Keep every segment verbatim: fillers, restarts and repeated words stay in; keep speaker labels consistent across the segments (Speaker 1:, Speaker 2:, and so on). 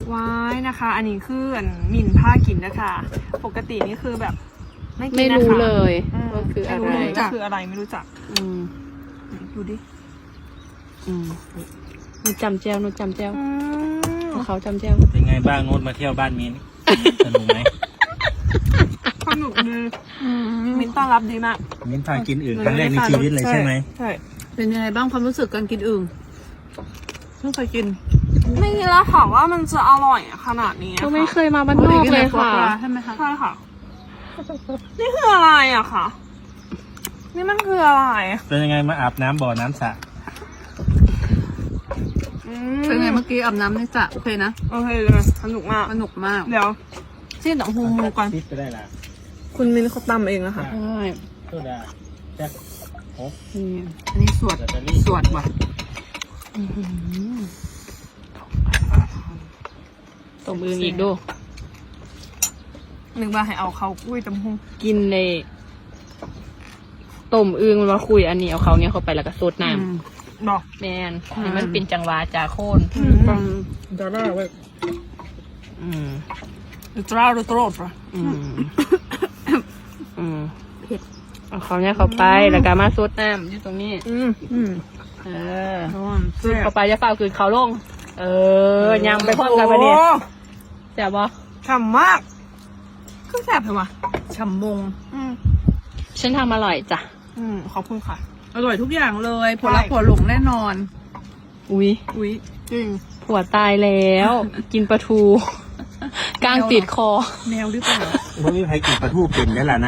Speaker 1: ว้ายนะคะ อันนี้คืออันหมิ่นผ้ากินนะคะปกตินี่คือแบบไม่กินนะคะ
Speaker 2: ไม่รู้เลย
Speaker 1: อืม
Speaker 2: ว่าคืออะไร
Speaker 1: ไม่รู้ว่าคืออะไรไม่รู้จัก
Speaker 2: อืม
Speaker 1: ดูดิ
Speaker 2: อืมหนูจำแจ้วหนูจำแจ้ว
Speaker 1: อืม
Speaker 2: เขาจำแจ้ว
Speaker 3: เป็นไงบ้างโน้ตมาเที่ยวบ้านมิ้น สนุกไหม
Speaker 1: สนุกดีมิ้นต้อนรับดีมาก
Speaker 3: มิ้นพากินอื่นครั้งแรกในชีวิตเลยใช่ไหม
Speaker 1: ใช่
Speaker 4: เป็นยังไงบ้างความรู้สึกการกินอึ่งเพิ่งเคยกิน
Speaker 1: ไม่คิดแล้วค่ะว่ามันจะอร่อยขนาดนี้
Speaker 2: ก็
Speaker 1: ค่ะ
Speaker 2: ไม่เคยมาบ้านนอกเลยค่ะ
Speaker 4: ใช่ไหมคะ
Speaker 1: ใช่ค่ะ นี่คืออะไรอะค่ะ นี่มันคืออะไร
Speaker 3: เป็นยังไงมาอาบน้ำบ่อน้ำสระ
Speaker 1: อืม
Speaker 4: เป็นไงเมื่อกี้อาบน้ำในสระโอเคนะ
Speaker 1: โอเคเลยสนุกมาก
Speaker 4: สนุกมาก
Speaker 1: เดี๋ยวที่หนังฮูมูก่อน
Speaker 3: คิดไปได้ละ
Speaker 1: คุณมิ้นเขาตำเองนะคะ
Speaker 2: ใช่
Speaker 3: โซดาแจ็คโอ้
Speaker 2: นี่
Speaker 4: อันนี้สวด
Speaker 3: แบตเตอรี่
Speaker 4: สวดว่ะ
Speaker 2: ต้มอึ่งอีกดู
Speaker 1: นึกว่าให้เอาเขากุ้ยตำฮง
Speaker 2: กินในต้มอึ่งมันมาคุยอันนี้เอาเขาเนี่ยเข้าไปแล้วก็ซดน้
Speaker 4: อืม
Speaker 1: บอก
Speaker 2: ำแมนให้มันเป็นจังหวะจากโคน
Speaker 4: ฟังดอลลาร์ไว้
Speaker 2: อืม
Speaker 1: ดูตราดูตรด
Speaker 2: อืมอืมเอาเขาเนี่ยเข้าไปแล้วก็มาซดน้ำอยู่ตรงนี้
Speaker 1: อืมอืม
Speaker 2: เออ
Speaker 4: ร้อน
Speaker 2: ซดเข้าไปจะเฝ้าคืนเขาลง เออยำไปพร้อมกันไปเนี่ยแซ่บบ่
Speaker 1: ฉ่ำมากก็แสบเลยวะ
Speaker 4: ฉ่ำมง
Speaker 1: อืม
Speaker 2: ฉันทำอร่อยจ้ะ
Speaker 1: อืมขอบคุณค่ะ
Speaker 4: อร่อยทุกอย่างเลยผลลัพธ์
Speaker 1: ใช่
Speaker 4: ผลหลงแน่นอน
Speaker 2: อุ้ย
Speaker 4: อุ้ย
Speaker 1: จริง
Speaker 2: ผัวตายแล้ว กินปลาทู กลางติดคอ
Speaker 4: แมวหรือเปล่า
Speaker 3: ไม่มีใครกินปลาทูเป็นได้ละน้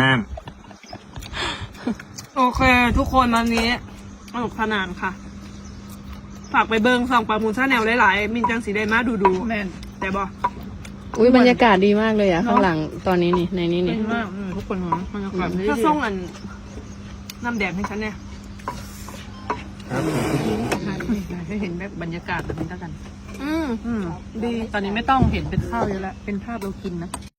Speaker 1: โอเค ทุกคนวันนี้สนุกสนานค่ะ ฝากไปเบิ้งส่องปลามูลชาแนลหลายๆมินจังสีได้มาดูดู
Speaker 4: แม่น
Speaker 1: แต่บอก
Speaker 2: อุ้ยบรรยากาศดีมากเลยอ่ะ ข้างหลังตอนนี้นี่ในนี้
Speaker 4: เป็
Speaker 2: นี่
Speaker 4: นมากอืมทุกคนของบรรยากาศดี
Speaker 1: ถ้าส่งอันน้ำแดงให้ฉันเนี่ย
Speaker 3: ำครับคุณผู้หญิง
Speaker 4: ให้เห็นแบบบรรยากาศแบบนี้แล้วกัน
Speaker 1: อืม
Speaker 4: อืมดีตอนนี้ไม่ต้องเห็นเป็นข้าวเยอะแล้วเป็นภาพเรากินนะ